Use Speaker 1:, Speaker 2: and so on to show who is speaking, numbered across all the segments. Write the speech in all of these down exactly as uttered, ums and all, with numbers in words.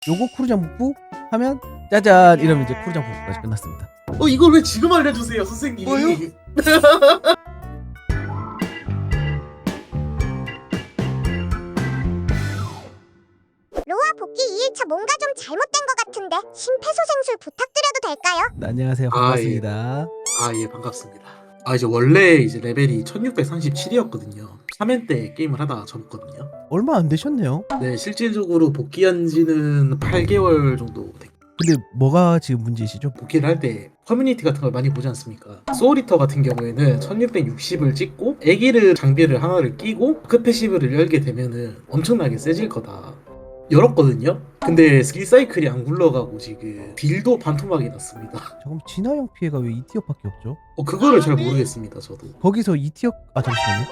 Speaker 1: 요거 쿠르장 북부 하면 짜잔 이러면 이제 쿠르장 북부까지 끝났습니다.
Speaker 2: 어 이걸 왜 지금 알려주세요 선생님?
Speaker 1: 뭐요?
Speaker 3: 로아 복귀 이 일차 뭔가 좀 잘못된 것 같은데 심폐소생술 부탁드려도 될까요?
Speaker 1: 네, 안녕하세요. 반갑습니다.
Speaker 2: 아 예 반갑습니다. 아 이제 원래 이제 레벨이 천육백삼십칠이었거든요. 삼 회 때 게임을 하다가 접었거든요.
Speaker 1: 얼마 안 되셨네요.
Speaker 2: 네 실질적으로 복귀한 지는 팔 개월 정도 됐고,
Speaker 1: 근데 뭐가 지금 문제이시죠?
Speaker 2: 복귀를 할 때 커뮤니티 같은 걸 많이 보지 않습니까? 소울리터 같은 경우에는 천육백육십을 찍고 애기를 장비를 하나를 끼고 그 패시브를 열게 되면은 엄청나게 세질 거다 열었거든요. 근데 스킬 사이클이 안 굴러가고 지금 딜도 반토막이 났습니다.
Speaker 1: 잠깐 진화형 피해가 왜 이 티어밖에 없죠?
Speaker 2: 어 그거를 잘 모르겠습니다 저도.
Speaker 1: 거기서 이 티어 아 잠시만요.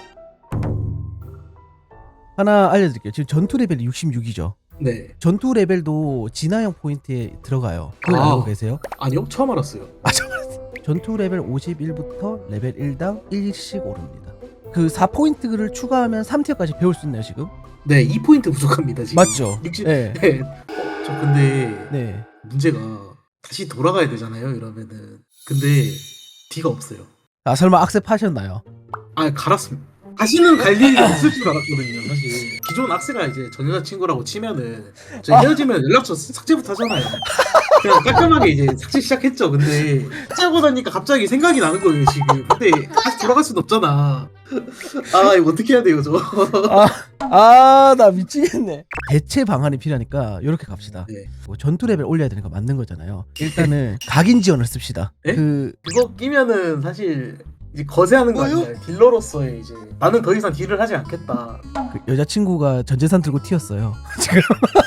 Speaker 1: 하나 알려드릴게요. 지금 전투 레벨이 육십육이죠.
Speaker 2: 네
Speaker 1: 전투 레벨도 진화형 포인트에 들어가요. 그걸
Speaker 2: 아.
Speaker 1: 알고 계세요?
Speaker 2: 아니요 처음 알았어요.
Speaker 1: 전투 레벨 오십일부터 레벨 일당 일씩 오릅니다. 그 사 포인트를 추가하면 삼 티어까지 배울 수 있나요 지금?
Speaker 2: 네 이 포인트 부족합니다 지금.
Speaker 1: 맞죠?
Speaker 2: 육십
Speaker 1: 네.
Speaker 2: 네. 어, 저 근데
Speaker 1: 네.
Speaker 2: 문제가 다시 돌아가야 되잖아요 이러면은. 근데 D가 없어요.
Speaker 1: 아 설마 악셉 하셨나요?
Speaker 2: 아 갈았습니다. 다시는 갈 일이 없을 줄 알았거든요 사실. 기존 악세가 이제 전 여자친구라고 치면은 저 헤어지면 연락처 삭제부터 하잖아요. 그냥 깔끔하게 이제 삭제 시작했죠. 근데 삭제하고 나니까 갑자기 생각이 나는 거예요 지금. 근데 다시 돌아갈 수는 없잖아. 아 이거 어떻게 해야 돼요 저.
Speaker 1: 아 나 미치겠네. 대체 방안이 필요하니까 이렇게 갑시다.
Speaker 2: 네.
Speaker 1: 뭐 전투 레벨 올려야 되는 거 맞는 거잖아요. 일단은 각인 지원을 씁시다.
Speaker 2: 네?
Speaker 1: 그
Speaker 2: 그거 끼면은 사실 이제 거세하는 거 아니에요? 딜러로서의 이제 나는 더 이상 딜을 하지 않겠다.
Speaker 1: 그 여자친구가 전 재산 들고 튀었어요. 지금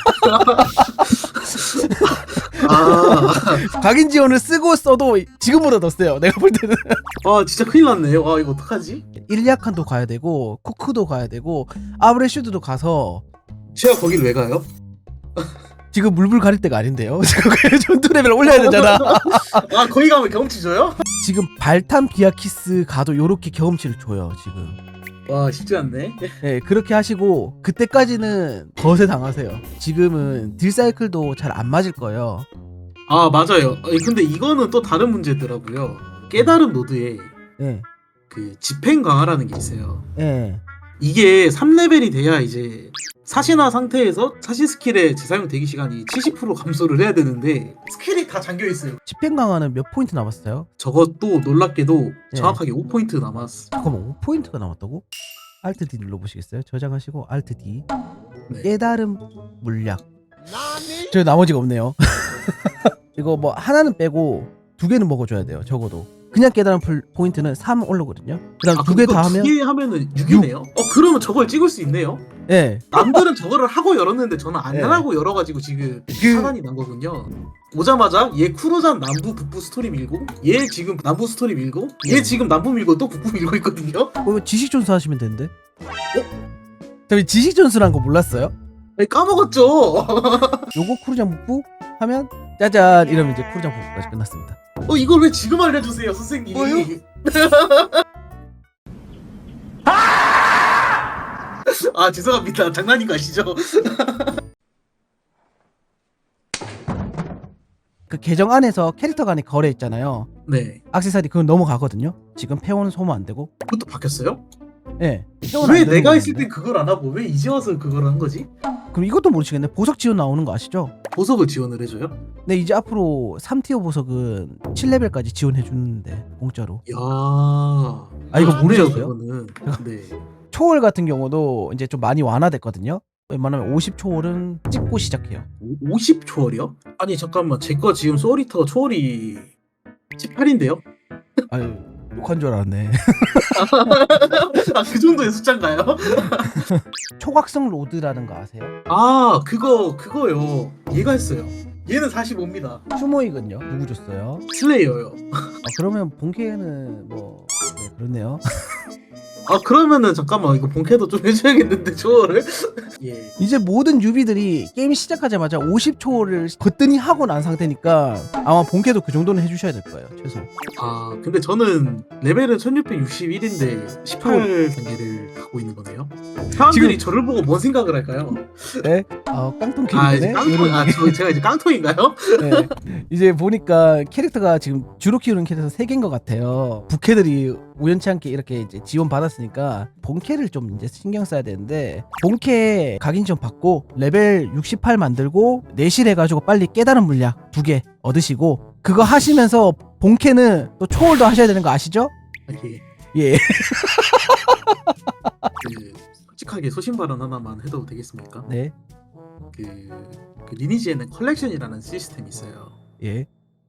Speaker 2: 아,
Speaker 1: 각인 지원을 쓰고 써도 지금보다 더 세요. 내가 볼 때는
Speaker 2: 아 진짜 큰일 났네요. 아 이거 어떡하지?
Speaker 1: 일리아칸도 가야 되고 쿠크도 가야 되고 아브레슈드도 가서
Speaker 2: 제가 거길 왜 가요?
Speaker 1: 지금 물불 가릴 때가 아닌데요. 지금 그 전투 레벨 올려야 되잖아.
Speaker 2: 아 거기 가면 경험치 줘요?
Speaker 1: 지금 발탄 비아키스 가도 요렇게 경험치를 줘요. 지금.
Speaker 2: 와 쉽지 않네.
Speaker 1: 네, 그렇게 하시고 그때까지는 거세 당하세요. 지금은 딜 사이클도 잘 안 맞을 거예요.
Speaker 2: 아 맞아요. 아니, 근데 이거는 또 다른 문제더라고요. 깨달은 노드에
Speaker 1: 네,
Speaker 2: 그 집행 강화라는 게 있어요.
Speaker 1: 네.
Speaker 2: 이게 삼 레벨이 돼야 이제 사신화 상태에서 사신 스킬의 재사용 대기 시간이 칠십 퍼센트 감소를 해야 되는데 스킬이 다 잠겨 있어요.
Speaker 1: 집행 강화는 몇 포인트 남았어요?
Speaker 2: 저것도 놀랍게도
Speaker 1: 네.
Speaker 2: 정확하게 오 포인트 남았어.
Speaker 1: 잠깐만 오 포인트가 남았다고? 알트 D 눌러보시겠어요? 저장하시고 알트 D.
Speaker 2: 네.
Speaker 1: 깨달음 물약. 저 나머지가 없네요. 이거 뭐 하나는 빼고 두 개는 먹어줘야 돼요. 적어도. 그냥 깨달음 풀- 포인트는 삼 올라거든요. 그다음
Speaker 2: 아,
Speaker 1: 두 개 다 하면
Speaker 2: 두개 하면은 육이네요. 어 그러면 저걸 찍을 수 있네요.
Speaker 1: 예.
Speaker 2: 남들은 저거를 하고 열었는데 저는 안
Speaker 1: 네.
Speaker 2: 하고 열어가지고 지금
Speaker 1: 그-
Speaker 2: 사단이 난 거군요. 오자마자 얘 쿠로잔 남부 북부 스토리 밀고 얘 지금 남부 스토리 밀고 얘
Speaker 1: 네.
Speaker 2: 지금 남부 밀고 또 북부 밀고 있거든요.
Speaker 1: 어, 지식 전수 하시면 되는데. 저희 지식 전수란 거 몰랐어요?
Speaker 2: 아니, 까먹었죠.
Speaker 1: 요거 쿠르장 북부 하면 짜잔 이러면 이제 쿠르장 북부까지 끝났습니다.
Speaker 2: 어 이걸 왜 지금 알려주세요 선생님?
Speaker 1: 뭐요?
Speaker 2: 아 죄송합니다. 장난인 거 아시죠?
Speaker 1: 그 계정 안에서 캐릭터 간의 거래 있잖아요.
Speaker 2: 네.
Speaker 1: 액세서리 그건 넘어가거든요. 지금 페어는 소모 안 되고.
Speaker 2: 그것도 바뀌었어요?
Speaker 1: 예. 페어는 안
Speaker 2: 왜
Speaker 1: 되는
Speaker 2: 내가
Speaker 1: 거
Speaker 2: 있을
Speaker 1: 같은데?
Speaker 2: 땐 그걸 안 하고 왜 이제 와서 그걸 한 거지?
Speaker 1: 그럼 이것도 모르시겠네. 보석 지원 나오는 거 아시죠?
Speaker 2: 보석을 지원을 해줘요?
Speaker 1: 네, 이제 앞으로 삼 티어 보석은 칠 레벨까지 지원해 주는데 공짜로.
Speaker 2: 야.
Speaker 1: 아, 이거
Speaker 2: 좋네요,
Speaker 1: 모르셨어요?
Speaker 2: 그거는. 네.
Speaker 1: 초월 같은 경우도 이제 좀 많이 완화됐거든요. 웬만하면 오십 초월은 찍고 시작해요.
Speaker 2: 오- 오십 초월이요? 아니 잠깐만 제 거 지금 소리터 초월이 십팔인데요?
Speaker 1: 아유, 욕한 줄 알았네.
Speaker 2: 아 그 정도의 숫자인가요?
Speaker 1: 초각성 로드라는 거 아세요?
Speaker 2: 아 그거 그거요. 얘가 했어요. 얘는 사십오입니다.
Speaker 1: 추모익은요? 누구 줬어요?
Speaker 2: 슬레이어요.
Speaker 1: 아, 그러면 본캐는 뭐 네, 그렇네요.
Speaker 2: 아 그러면은 잠깐만 이거 본캐도 좀 해줘야겠는데 저거를. 예.
Speaker 1: 이제 모든 유비들이 게임 시작하자마자 오십 초를 거뜬히 하고 난 상태니까 아마 본캐도 그 정도는 해주셔야 될 거예요 최소.
Speaker 2: 아 근데 저는 레벨은 천육백육십일인데 십팔 단계를 갖고 있는 거네요. 사람들이 저를 보고 뭔 생각을 할까요?
Speaker 1: 네? 아 깡통
Speaker 2: 아 이제
Speaker 1: 캐릭터네.
Speaker 2: 깡통, 아 저, 제가 이제 깡통인가요?
Speaker 1: 네. 이제 보니까 캐릭터가 지금 주로 키우는 캐릭터 세 개인 것 같아요. 부캐들이 우연치 않게 이렇게 이제 지원 받았으니까 본캐를 좀 이제 신경 써야 되는데 본캐 각인 좀 받고 레벨 육십팔 만들고 내실 해가지고 빨리 깨달은 물약 두 개 얻으시고 그거 하시면서 본캐는 또 초월도 하셔야 되는 거 아시죠?
Speaker 2: 아, 예.
Speaker 1: 예.
Speaker 2: 그 솔직하게 소신 발언 하나만 해도 되겠습니까?
Speaker 1: 네.
Speaker 2: 그, 그 리니지에는 컬렉션이라는 시스템이 있어요.
Speaker 1: 예.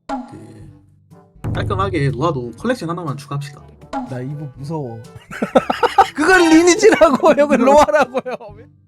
Speaker 2: 그 깔끔하게 로아도 컬렉션 하나만 추가합시다.
Speaker 1: 나 이거 무서워. 그건 리니지라고 여기 로아라고요.